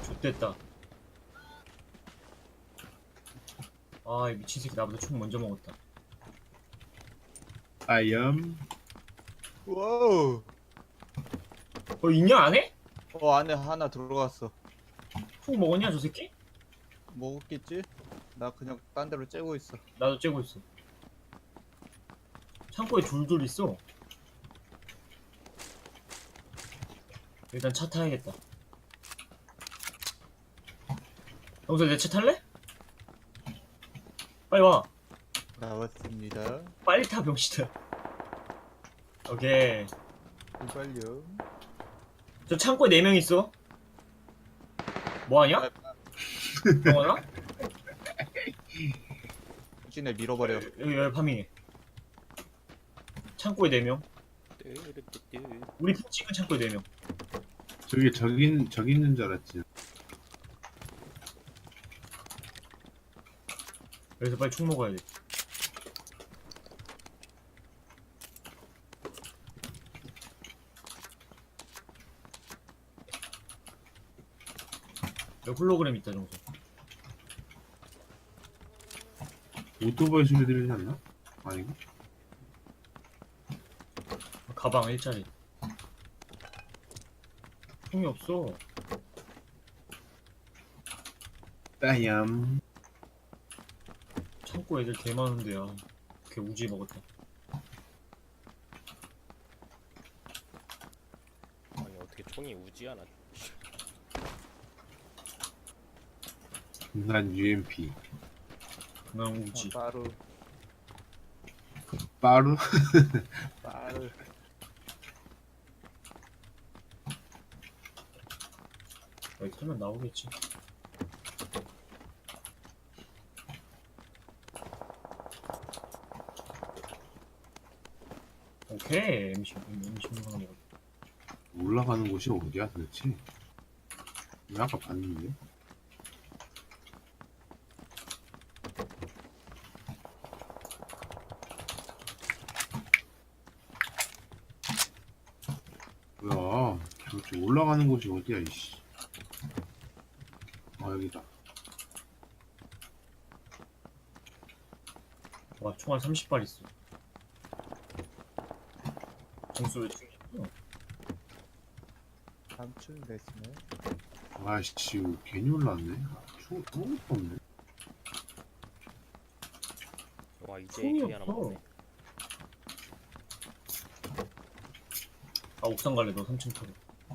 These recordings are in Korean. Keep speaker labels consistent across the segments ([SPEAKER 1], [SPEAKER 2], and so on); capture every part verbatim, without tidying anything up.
[SPEAKER 1] X됐다. 아, 이 미친 새끼 나보다 총 먼저 먹었다.
[SPEAKER 2] 아염.
[SPEAKER 3] 와우.
[SPEAKER 1] 어, 있냐, 안에?
[SPEAKER 3] 어, 안에 하나 들어갔어.
[SPEAKER 1] 총 먹었냐, 저 새끼?
[SPEAKER 3] 먹었겠지? 나 그냥 딴 데로 째고 있어.
[SPEAKER 1] 나도 째고 있어. 창고에 둘둘 있어. 일단 차 타야겠다. 영수 내 차 탈래? 빨리 와.
[SPEAKER 3] 나왔습니다.
[SPEAKER 1] 빨리 타, 병신아. 오케이.
[SPEAKER 3] 이발요.
[SPEAKER 1] 저 창고에 네 명 있어. 뭐하냐? 영원아?
[SPEAKER 3] 후진에 밀어버려.
[SPEAKER 1] 여기 여기 파밍해. 창고에 네 명. 우리 핑 찍은 창고에 네 명.
[SPEAKER 2] 저기 저기 저기 있는 줄 알았지.
[SPEAKER 1] 여기서 빨리 총 먹어야 돼. 여기 홀로그램 있다, 정수.
[SPEAKER 2] 오토바이 소리 들리지 않나? 아닌가?
[SPEAKER 1] 가방 일자리. 총이 없어.
[SPEAKER 2] 아염.
[SPEAKER 1] 창고 애들 개 많은데야. 걔 우지 먹었다.
[SPEAKER 4] 아니 어떻게 총이 우지하나?
[SPEAKER 2] 난 유엠피.
[SPEAKER 1] 난 우지.
[SPEAKER 3] 어, 빠루.
[SPEAKER 2] 빠루?
[SPEAKER 3] 빠루.
[SPEAKER 1] 여기 털면 나오겠지. 오케이. 엠씨, 엠씨 하나 먹었다.
[SPEAKER 2] 올라가는 곳이 어디야 도대체? 왜 아까 봤는데? 뭐야? 도대체 올라가는 곳이 어디야 이씨? 아 여기다.
[SPEAKER 1] 와, 총알 삼십 발 있어. 정수 왜 총이 없어?
[SPEAKER 3] 삼촌 됐으네.
[SPEAKER 2] 아씨 괜히 올라왔네. 총 아무것도 없네.
[SPEAKER 4] 와 이제
[SPEAKER 1] 총이
[SPEAKER 4] 에이케이 하나
[SPEAKER 1] 없어.
[SPEAKER 4] 먹네.
[SPEAKER 1] 아, 옥상 갈래, 너 삼 층 타고.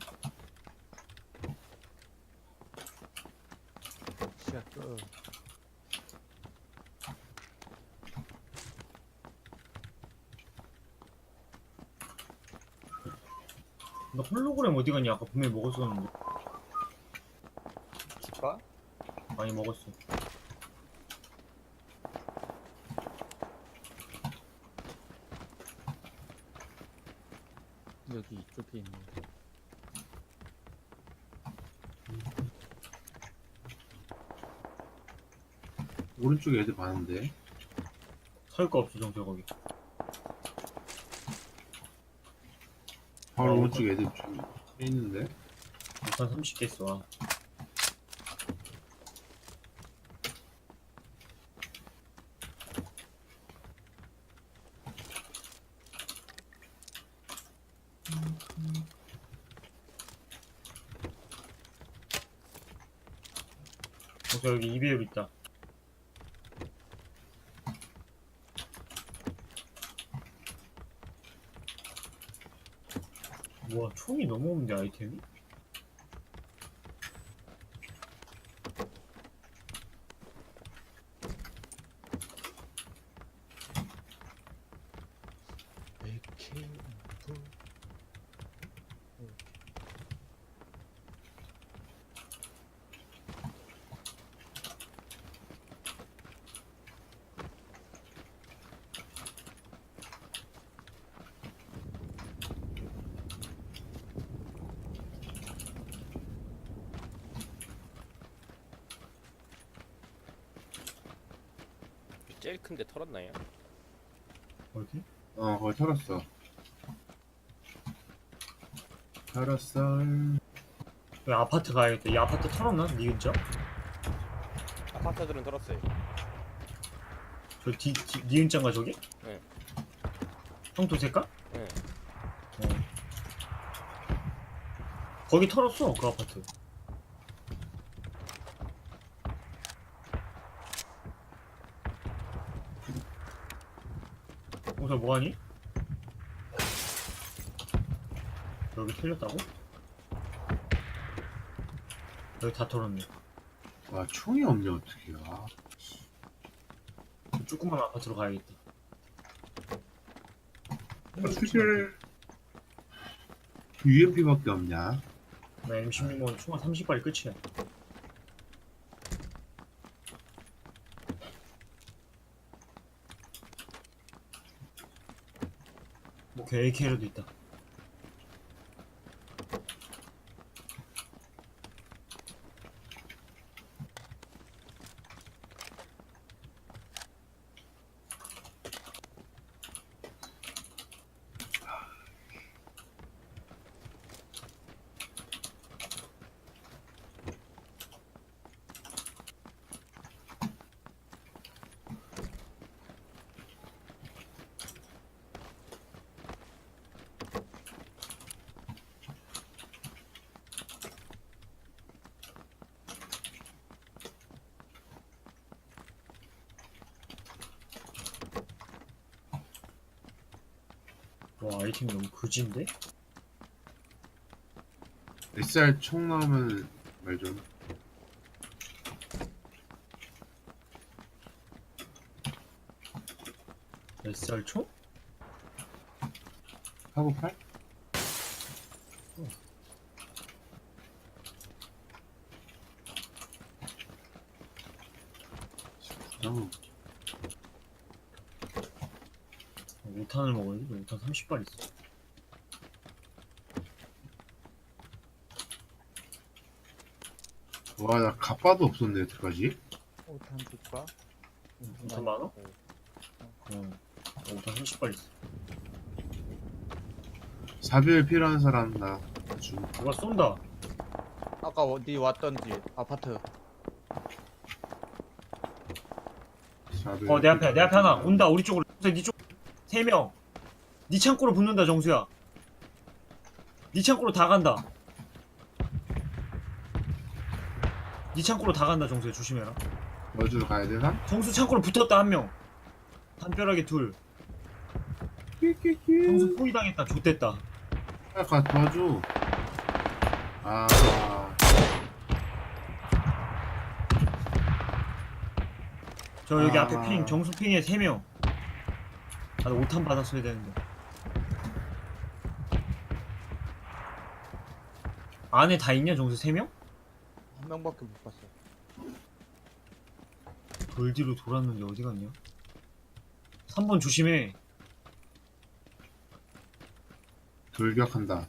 [SPEAKER 3] 시야 끄.
[SPEAKER 1] 나 홀로그램 어디 갔냐? 아까 분명히 먹었었는데.
[SPEAKER 3] 줄까?
[SPEAKER 1] 많이 먹었어.
[SPEAKER 3] 여기 이쪽에 있네.
[SPEAKER 2] 오른쪽에 애들 많은데.
[SPEAKER 1] 살 거 없어, 정수 거기.
[SPEAKER 2] 바로
[SPEAKER 1] 어,
[SPEAKER 2] 오른쪽에 애들 좀 있는데.
[SPEAKER 1] 옥상 삼십 개 있어. 아. 정수 여기 이 배율 있다. 와, 총이 너무 없는데, 아이템이?
[SPEAKER 3] 에이케이.
[SPEAKER 4] 제일 큰데 털었나요?
[SPEAKER 1] 어디?
[SPEAKER 2] 어 거기 털었어. 털었어.
[SPEAKER 1] 그 아파트 가야겠다. 이 아파트 털었나? 니 근처?
[SPEAKER 4] 아파트들은 털었어요.
[SPEAKER 1] 저 뒤, 뒤, 니 근처인가 저기?
[SPEAKER 4] 네.
[SPEAKER 1] 형 도색가?
[SPEAKER 4] 네.
[SPEAKER 1] 어. 거기 털었어 그 아파트. 여기서 뭐하니? 여기 틀렸다고? 여기 다 털었네.
[SPEAKER 2] 와 총이 없네 어떻게. 아,
[SPEAKER 1] 저 조그만 아파트로 가야겠다.
[SPEAKER 2] 수실 유엠피밖에 없냐?
[SPEAKER 1] 나 엠 십육은 총알 삼십 발이 끝이야. 뭐 에이케이라도 있다. 와 아이템 너무 그지인데?
[SPEAKER 2] 에스알 총 나오면 말 좀.
[SPEAKER 1] 에스알 총?
[SPEAKER 2] 하고 팔? 어.
[SPEAKER 1] 오 탄을 먹어야지. 오 탄 삼십 발 있어.
[SPEAKER 2] 와, 나 갑바도 없었네, 여태까지.
[SPEAKER 3] 오탄 줄까?
[SPEAKER 1] 오 탄 많아? 어. 오 탄 삼십 발 있어.
[SPEAKER 2] 사별 필요한 사람, 나 주.
[SPEAKER 1] 누가 쏜다.
[SPEAKER 3] 아까 어디 왔던 집 아파트.
[SPEAKER 2] 사별
[SPEAKER 1] 어 내 앞에 내 앞에 하나
[SPEAKER 2] 필요한
[SPEAKER 1] 온다. 우리 쪽으로. 니 쪽. 세 명. 니 창고로 붙는다 정수야. 니 창고로 다 간다. 니 창고로 다 간다 정수야. 조심해라.
[SPEAKER 2] 사람. 어디로 가야 되나?
[SPEAKER 1] 정수 창고로 붙었다 한 명. 담벼락에 둘. 정수
[SPEAKER 2] 끼끼끼.
[SPEAKER 1] 포위 당했다. 좆됐다.
[SPEAKER 2] 가 도와줘. 아,
[SPEAKER 1] 저 여기
[SPEAKER 2] 아.
[SPEAKER 1] 앞에 핑 정수 핑에 세 명. 나도 오 탄 받았어야 되는데. 안에 다 있냐 정수 세 명?
[SPEAKER 3] 한 명밖에 못 봤어.
[SPEAKER 1] 돌 뒤로 돌았는데 어디 갔냐? 삼 번 조심해.
[SPEAKER 2] 돌격한다.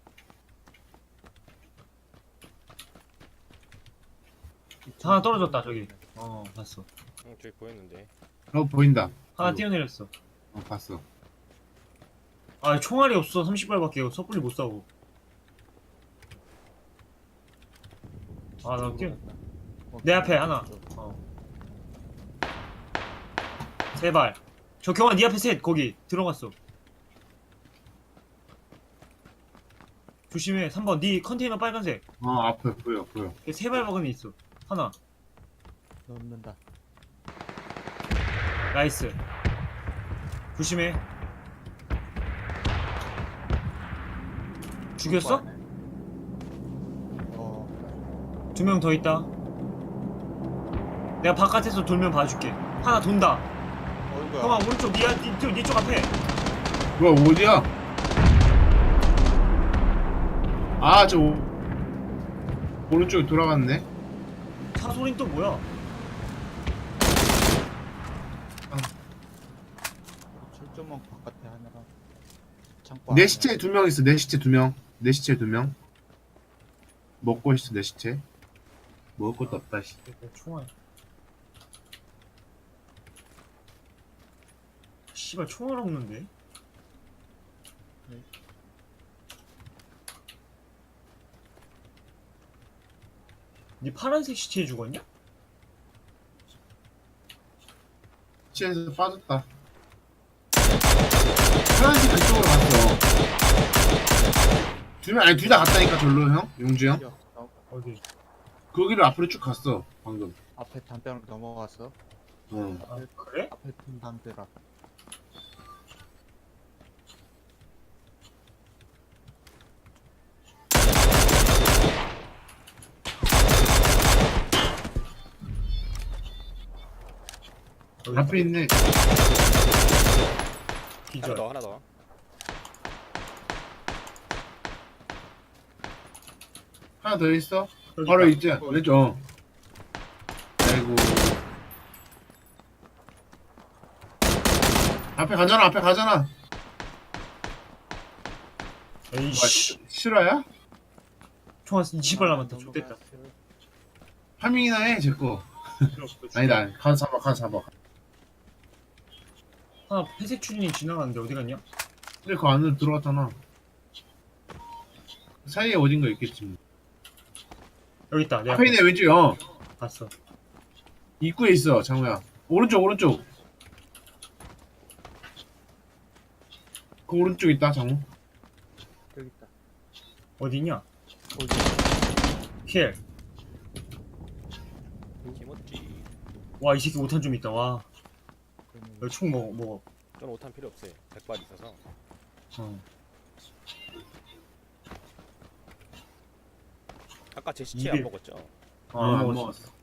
[SPEAKER 1] 하나 떨어졌다 저기. 어 봤어.
[SPEAKER 4] 응, 저기 보였는데.
[SPEAKER 2] 어, 보인다.
[SPEAKER 1] 하나
[SPEAKER 2] 이거.
[SPEAKER 1] 뛰어내렸어.
[SPEAKER 2] 어, 봤어.
[SPEAKER 1] 아 총알이 없어. 삼십 발밖에 섣불리 못 싸고. 아 나 뛰어. 내 앞에 하나. 어. 세 발. 저 경아 네 앞에 셋 거기 들어갔어. 조심해. 삼 번 네 컨테이너 빨간색.
[SPEAKER 2] 어, 앞에 보여, 보여.
[SPEAKER 1] 세 발 박은 애 있어. 하나.
[SPEAKER 3] 넣는다.
[SPEAKER 1] 나이스. 조심해. 죽였어?
[SPEAKER 3] 어.
[SPEAKER 1] 두 명 더 있다. 내가 바깥에서 돌면 봐줄게. 하나 돈다.
[SPEAKER 3] 어이구야.
[SPEAKER 1] 형아 오른쪽 니, 니, 니, 니쪽 앞에.
[SPEAKER 2] 뭐야, 어디야? 아, 저 오- 오른쪽에 돌아갔네.
[SPEAKER 1] 차 소린 또 뭐야?
[SPEAKER 3] 칠 점 원 바깥에 하나가. 창고
[SPEAKER 2] 내
[SPEAKER 3] 안에.
[SPEAKER 2] 시체에 두 명 있어. 내 시체 두 명. 내 시체 두 명. 먹고 있어, 내 시체. 먹을 것도 없다, 씨.
[SPEAKER 1] 총알. 씨발 총알 없는데? 니 파란색 시체에 죽었냐?
[SPEAKER 2] 시체에서 빠졌다. 파란색 그쪽으로 갔어. 두 명, 아니 둘 다 갔다니까 절로 형? 용주 형?
[SPEAKER 3] 뛰어. 어,
[SPEAKER 1] 어디?
[SPEAKER 2] 거기를 앞으로 쭉 갔어 방금.
[SPEAKER 3] 앞에 담벼락 넘어갔어.
[SPEAKER 2] 어.
[SPEAKER 1] 아 그래?
[SPEAKER 3] 앞에 큰 담벼락.
[SPEAKER 1] 여기
[SPEAKER 2] 앞에 있네.
[SPEAKER 4] 하나
[SPEAKER 1] 기절.
[SPEAKER 4] 더 하나 더.
[SPEAKER 2] 하나 더 있어?
[SPEAKER 1] 여기
[SPEAKER 2] 바로
[SPEAKER 1] 있다.
[SPEAKER 2] 있지? 왼쪽. 어. 아이고. 앞에 가잖아, 앞에 가잖아. 뭐야,
[SPEAKER 1] 에이씨.
[SPEAKER 2] 시- 실화야?
[SPEAKER 1] 총알 이십 발 남았다. 좋됐다.
[SPEAKER 2] 파밍이나 해, 제 거. 아니다, 가서 잡아, 가서 잡아.
[SPEAKER 1] 하나 회색 추진이 지나갔는데 어디 갔냐?
[SPEAKER 2] 근데 그 안으로 들어갔잖아. 사이에 어딘가 있겠지. 뭐.
[SPEAKER 1] 여기 있다. 내
[SPEAKER 2] 앞에 있네, 왼쪽에. 어.
[SPEAKER 1] 봤어.
[SPEAKER 2] 입구에 있어, 장우야. 오른쪽, 오른쪽. 그 오른쪽 있다, 장우.
[SPEAKER 3] 여기 있다.
[SPEAKER 1] 어디냐?
[SPEAKER 3] 거기.
[SPEAKER 1] 킬.
[SPEAKER 4] 김었지.
[SPEAKER 1] 와 이 새끼 오탄 좀 있다. 와.
[SPEAKER 3] 그러면
[SPEAKER 1] 여기 총 먹어 먹어.
[SPEAKER 4] 저는 오탄 필요 없어요. 백 발 있어서.
[SPEAKER 1] 어.
[SPEAKER 4] 아까 제 시체
[SPEAKER 1] 이게-
[SPEAKER 4] 안 먹었죠?
[SPEAKER 2] 어,
[SPEAKER 1] 안
[SPEAKER 2] 안
[SPEAKER 1] 먹었어.
[SPEAKER 2] 먹었어.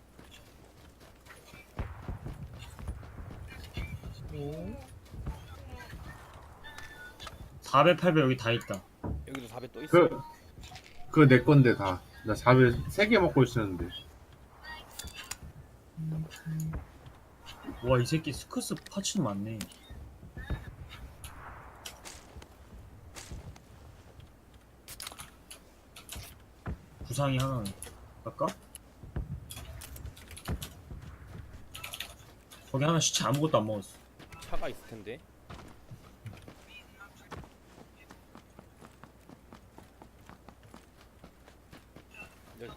[SPEAKER 1] 사배 팔배 여기 다 있다.
[SPEAKER 4] 여기도 사 배 또 있어.
[SPEAKER 2] 그, 그거 내 건데, 다. 나 잡을 세 개 먹고 있었는데.
[SPEAKER 1] 와 이 새끼 스커스 파츠는 많네. 부상이 하나 갈까? 거기 하나 시체 아무것도 안 먹었어.
[SPEAKER 4] 차가 있을 텐데. 여기다.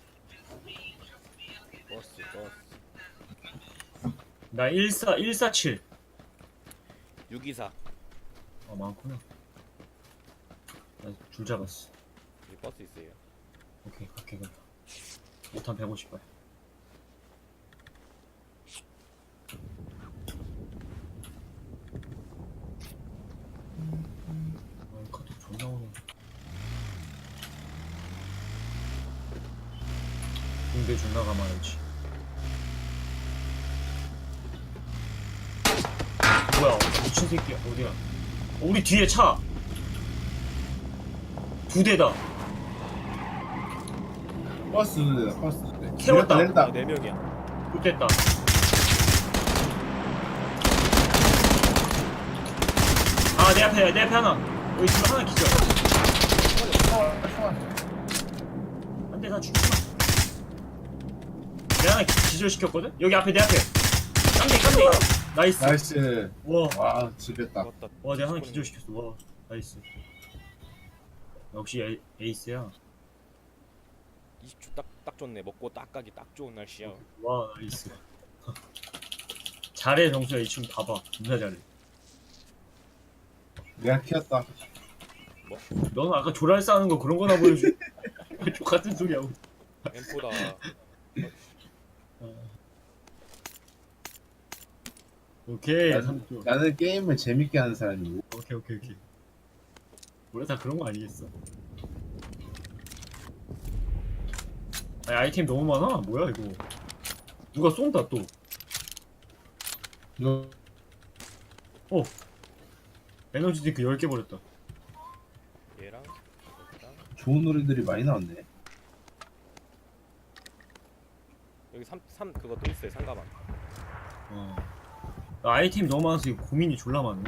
[SPEAKER 4] 버스 버스.
[SPEAKER 1] 나 일사 일사칠.
[SPEAKER 4] 육이사.
[SPEAKER 1] 아 많구나. 나 줄 잡았어.
[SPEAKER 4] 여기 버스 있어요.
[SPEAKER 1] 오케이 갈게 그럼. 오탄 백오십 발. 아 카톡 존나 오네. 군대 존나 가만하지. 뭐야 미친 새끼야 어디야? 어, 우리 뒤에 차. 두 대다.
[SPEAKER 2] 버스, 버스.
[SPEAKER 1] 태웠다.
[SPEAKER 2] 내렸다,
[SPEAKER 4] 아,
[SPEAKER 2] 내렸다.
[SPEAKER 4] 네 명이야.
[SPEAKER 1] 좋됐다. 아, 내 앞에, 내 앞에 하나. 여기 지금 하나 기절. 안 돼, 나 죽지 마. 내 하나 기- 기절시켰거든? 여기 앞에, 내 앞에. 깜대, 깜대. 나이스.
[SPEAKER 2] 나이스.
[SPEAKER 1] 와,
[SPEAKER 2] 와, 집했다.
[SPEAKER 4] 죽었다.
[SPEAKER 1] 와, 내가 하나 기절시켰어. 와, 나이스. 역시 에이, 에이스야.
[SPEAKER 4] 이십 초 딱, 딱 좋네. 먹고 딱 가기 딱 좋은 날씨야.
[SPEAKER 1] 와, 나이스. 잘해, 정수야. 이 친구 봐봐. 존나 잘해.
[SPEAKER 2] 내가 키웠다.
[SPEAKER 1] 넌 아까 조랄 싸는 거 그런 거나 보여줘. 똑같은 소리 하고.
[SPEAKER 4] 엠포다.
[SPEAKER 1] 오케이.
[SPEAKER 2] 나는,
[SPEAKER 1] 삼 초.
[SPEAKER 2] 나는 게임을 재밌게 하는 사람이고.
[SPEAKER 1] 오케이 오케이 오케이. 원래 다 그런 거 아니겠어? 아니, 아이템 너무 많아. 뭐야 이거? 누가 쏜다 또?
[SPEAKER 2] 이거
[SPEAKER 1] 에너지 딩크 열 개 버렸다.
[SPEAKER 4] 얘랑 여기랑
[SPEAKER 2] 좋은 노래들이 많이 나왔네.
[SPEAKER 4] 여기 삼, 삼 그거 또 있어요. 상가방.
[SPEAKER 1] 어. 나 아이템 너무 많아서 이거 고민이 졸라 많네.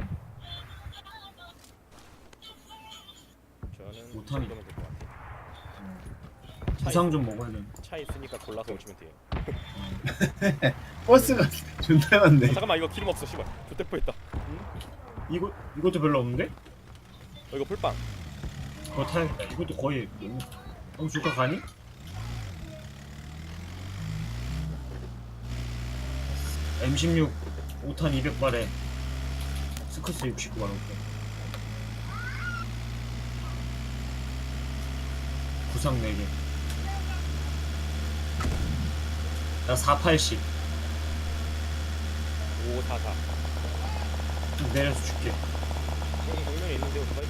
[SPEAKER 4] 저는
[SPEAKER 1] 못하네.
[SPEAKER 4] 이거면 될 것 같아요. 차,
[SPEAKER 1] 부상 좀 먹어야 돼.
[SPEAKER 4] 있, 차 있으니까 골라서 오시면 돼요.
[SPEAKER 2] 버스가 존나 많네.
[SPEAKER 4] 아, 잠깐만 이거 기름 없어. 씨발. 조대포 있다.
[SPEAKER 1] 이거 이것도 별로 없는데?
[SPEAKER 4] 어, 이거 풀빵.
[SPEAKER 1] 그거 타야겠다. 이것도 거의 너무 너무 줄까 가니? 엠 십육 오 탄 이백 발에 스커스 육십구 발 오케이. 구상 네 개. 나 사팔십.
[SPEAKER 4] 오사사.
[SPEAKER 1] 좀 내려서 줄게.
[SPEAKER 4] 여기 정면에 있는데 오토바이?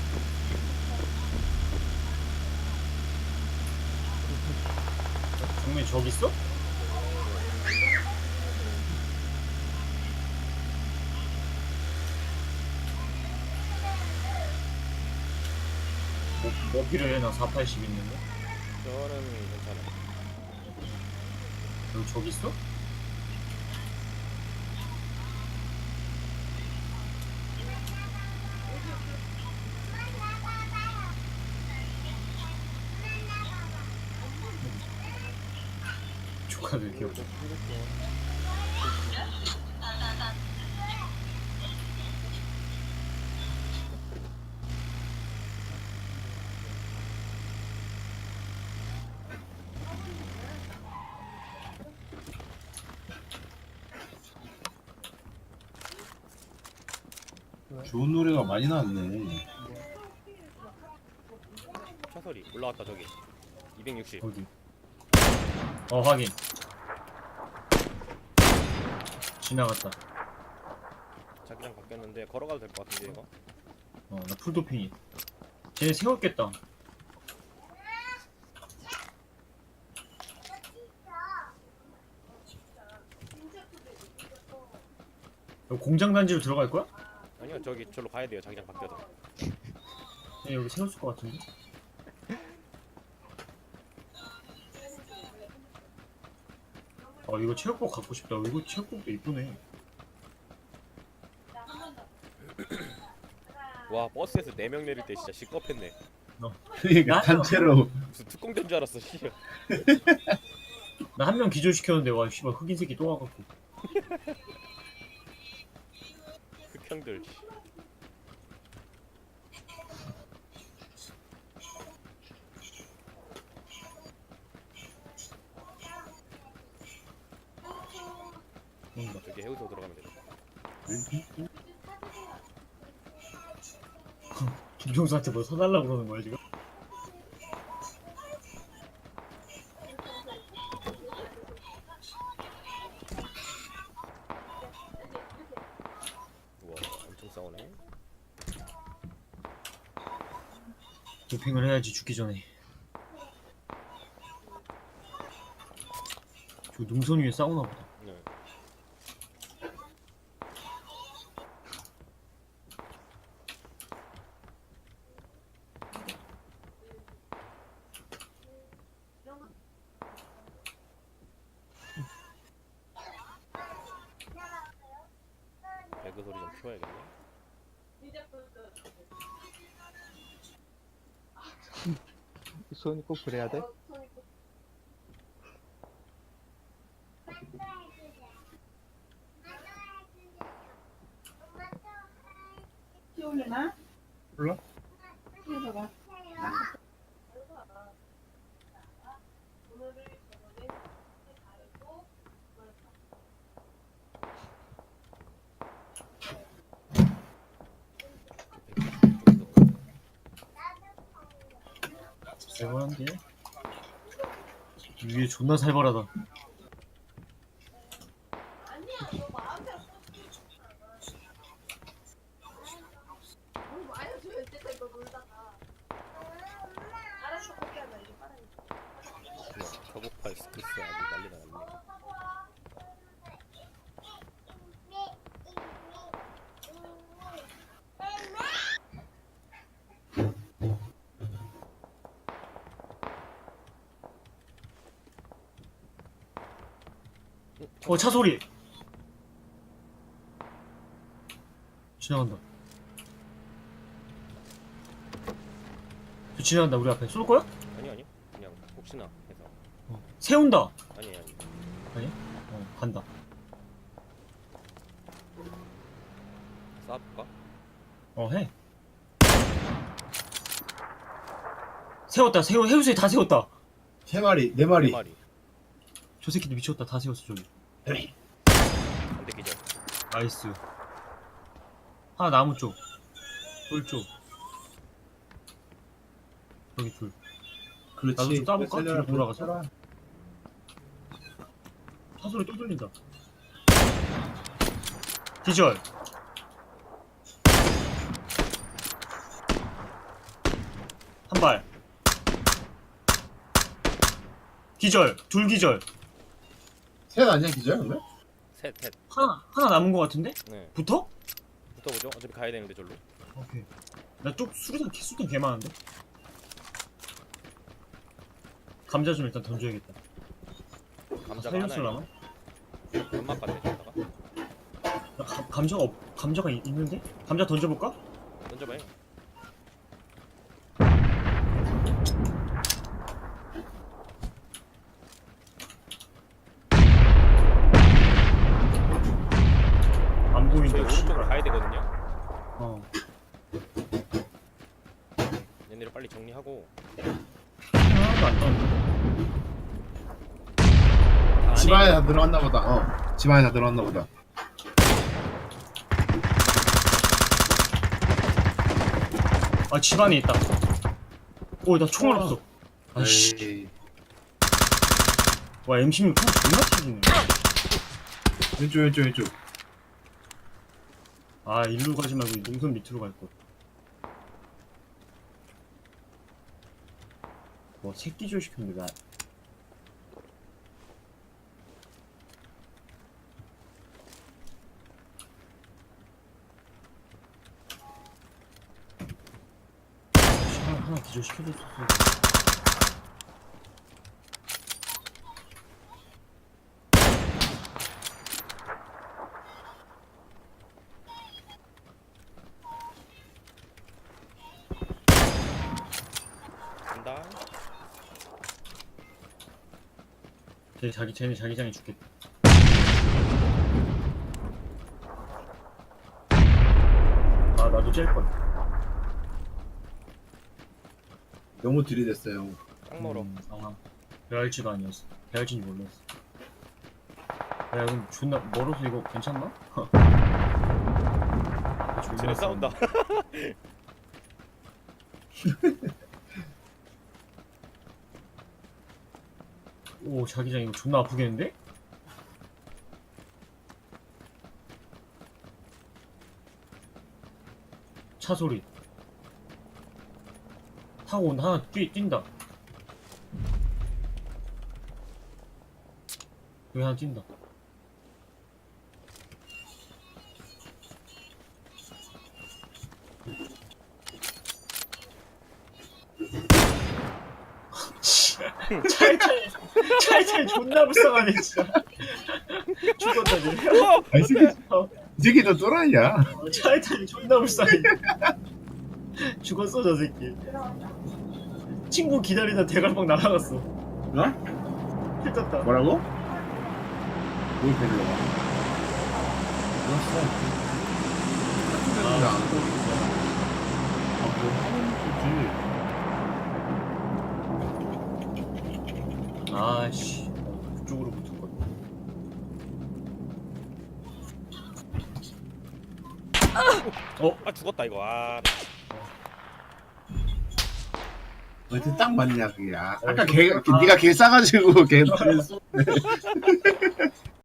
[SPEAKER 1] 정면에 저기 있어? 뭐, 뭐 필요해? 나 사팔십 있는데.
[SPEAKER 4] 저는 괜찮아.
[SPEAKER 1] 여기 저기 있어? 조카들 귀엽다.
[SPEAKER 2] 좋은 노래가 많이 나왔네.
[SPEAKER 4] 차소리 올라왔다 저기. 이백육십.
[SPEAKER 1] 어디? 어 확인. 지나갔다.
[SPEAKER 4] 자기장 바뀌었는데 걸어가도 될 것 같은데 이거.
[SPEAKER 1] 어 나 풀도핑이. 쟤네 세웠겠다. 여기 공장 단지로 들어갈 거야?
[SPEAKER 4] 아니요 저기 저로 가야 돼요. 자기장 바뀌어서.
[SPEAKER 1] 쟤네 여기 세웠을 것 같은데. 아 이거 체육복 갖고 싶다. 이거 체육복도 이쁘네.
[SPEAKER 4] 와 버스에서 네 명 내릴 때 진짜 시겁했네.
[SPEAKER 2] 그러니까
[SPEAKER 1] 나는-
[SPEAKER 2] 단체로
[SPEAKER 4] 무슨 특공된 줄 알았어. 씨.
[SPEAKER 1] 나 한 명 기절시켰는데 와 씨발 흑인 새끼 또 와갖고.
[SPEAKER 4] 흑형들. 씨.
[SPEAKER 1] 뭔가.
[SPEAKER 4] 저기 해우소 들어가면 되겠다.
[SPEAKER 1] 김종수한테 뭐 사달라고 그러는 거야 지금?
[SPEAKER 4] 우와 엄청 싸우네.
[SPEAKER 1] 도핑을 해야지 죽기 전에. 저 능선 위에 싸우나 보다.
[SPEAKER 4] 네. 배그 소리 좀 키워야겠네.
[SPEAKER 3] 손이 꼭 그래야 돼?
[SPEAKER 5] 키우려나?
[SPEAKER 2] 몰라?
[SPEAKER 5] 키워봐봐.
[SPEAKER 1] 살벌한데? 위에 존나 살벌하다.
[SPEAKER 4] 저고팔 스크스 아주 난리가 났네.
[SPEAKER 1] 어 차 소리. 지나간다. 저 지나간다. 우리 앞에 쏠 거야?
[SPEAKER 4] 아니 아니 그냥 혹시나 해서.
[SPEAKER 1] 어. 세운다.
[SPEAKER 4] 아니 아니.
[SPEAKER 1] 어 간다.
[SPEAKER 4] 쏴볼까?
[SPEAKER 1] 어 해. 세웠다. 세워 해우소에 다 세웠다.
[SPEAKER 2] 세 마리, 네
[SPEAKER 4] 네
[SPEAKER 2] 마리.
[SPEAKER 4] 마리.
[SPEAKER 1] 저 새끼들 미쳤다. 다 세웠어 저기. 나이스. 하나 나무 쪽. 돌 쪽. 여기 둘.
[SPEAKER 2] 그렇지.
[SPEAKER 1] 나도 좀 따볼까?
[SPEAKER 2] 살려라,
[SPEAKER 1] 뒤로 돌아가서?
[SPEAKER 2] 살려라.
[SPEAKER 1] 차 소리 또 들린다. 기절. 한 발. 기절. 둘 기절.
[SPEAKER 2] 셋 아니야 기절 그러면?
[SPEAKER 4] 셋, 셋.
[SPEAKER 1] 하나 하나 남은 거 같은데?
[SPEAKER 4] 네.
[SPEAKER 1] 붙어?
[SPEAKER 4] 붙어보죠. 어차피 가야 되는데 절로.
[SPEAKER 1] 오케이. 나 쪽 수리탄 개수탄 개 많은데? 감자 좀 일단 던져야겠다.
[SPEAKER 4] 감자가
[SPEAKER 1] 살렸을라나?
[SPEAKER 4] 하나에 연막 같네 저기다가.
[SPEAKER 1] 나 감, 감자가 없, 감자가 있, 있는데? 감자 던져볼까?
[SPEAKER 4] 던져봐요.
[SPEAKER 1] 안
[SPEAKER 4] 저희
[SPEAKER 1] 보인다.
[SPEAKER 4] 오른쪽으로 가야 되거든요.
[SPEAKER 1] 어.
[SPEAKER 4] 얘네를 빨리 정리하고.
[SPEAKER 1] 하나도 안 떴는데.
[SPEAKER 4] 다
[SPEAKER 2] 집
[SPEAKER 4] 안에
[SPEAKER 2] 안에 다 들어갔나 보다. 어. 집 안에 다 들어갔나 보다.
[SPEAKER 1] 아, 집 안에 있다. 오, 나 총알 없어. 아씨.
[SPEAKER 2] 에이.
[SPEAKER 1] 와, 엠 십육 총 존나 튀기네.
[SPEAKER 2] 왼쪽 왼쪽 왼쪽.
[SPEAKER 1] 아, 일로 가지 말고 능선 밑으로 갈 거. 뭐, 새끼 조식인데, 나. 하나, 하나 기절시켜줬었어.
[SPEAKER 4] 간다.
[SPEAKER 1] 쟤 자기, 쟤네 자기장에 죽겠다. 아, 나도 짤걸.
[SPEAKER 2] 너무 들이댔어요.
[SPEAKER 4] 딱 멀어.
[SPEAKER 1] 음, 아, 배알지가 아니었어. 배알지인지 몰랐어. 야, 그럼 존나 멀어서 이거 괜찮나? 아, 존나
[SPEAKER 4] 쟤네 싸운다.
[SPEAKER 1] 오, 자기장 이거 존나 아프겠는데? 차 소리. 타고 온 하나 뛰, 뛴다. 여기 하나 뛴다. 차이 차이 차이 차이 존나 불쌍하네 진짜. 죽었다 쟤.
[SPEAKER 2] 아, 이 새끼
[SPEAKER 1] 어,
[SPEAKER 2] 이 새끼 너 또라이야.
[SPEAKER 1] 차이 차이 존나 불쌍해. 죽었어 저 새끼. 친구 기다리다 대갈방 날아갔어.
[SPEAKER 2] 어?
[SPEAKER 1] 힐 떴다.
[SPEAKER 2] 뭐라고? 뭘 데리러 가? 죽었어.
[SPEAKER 1] 아,
[SPEAKER 2] 안 보이겠어. 아, 뭐 하는 거지?
[SPEAKER 1] 아씨, 그쪽으로 붙을 걸. 어?
[SPEAKER 4] 아 죽었다 이거. 아.
[SPEAKER 2] 어떻게 딱 맞냐 그게. 아,
[SPEAKER 1] 어,
[SPEAKER 2] 아까
[SPEAKER 1] 좀-
[SPEAKER 2] 개,
[SPEAKER 1] 아.
[SPEAKER 2] 네가 개 싸가지고 개 쏘네.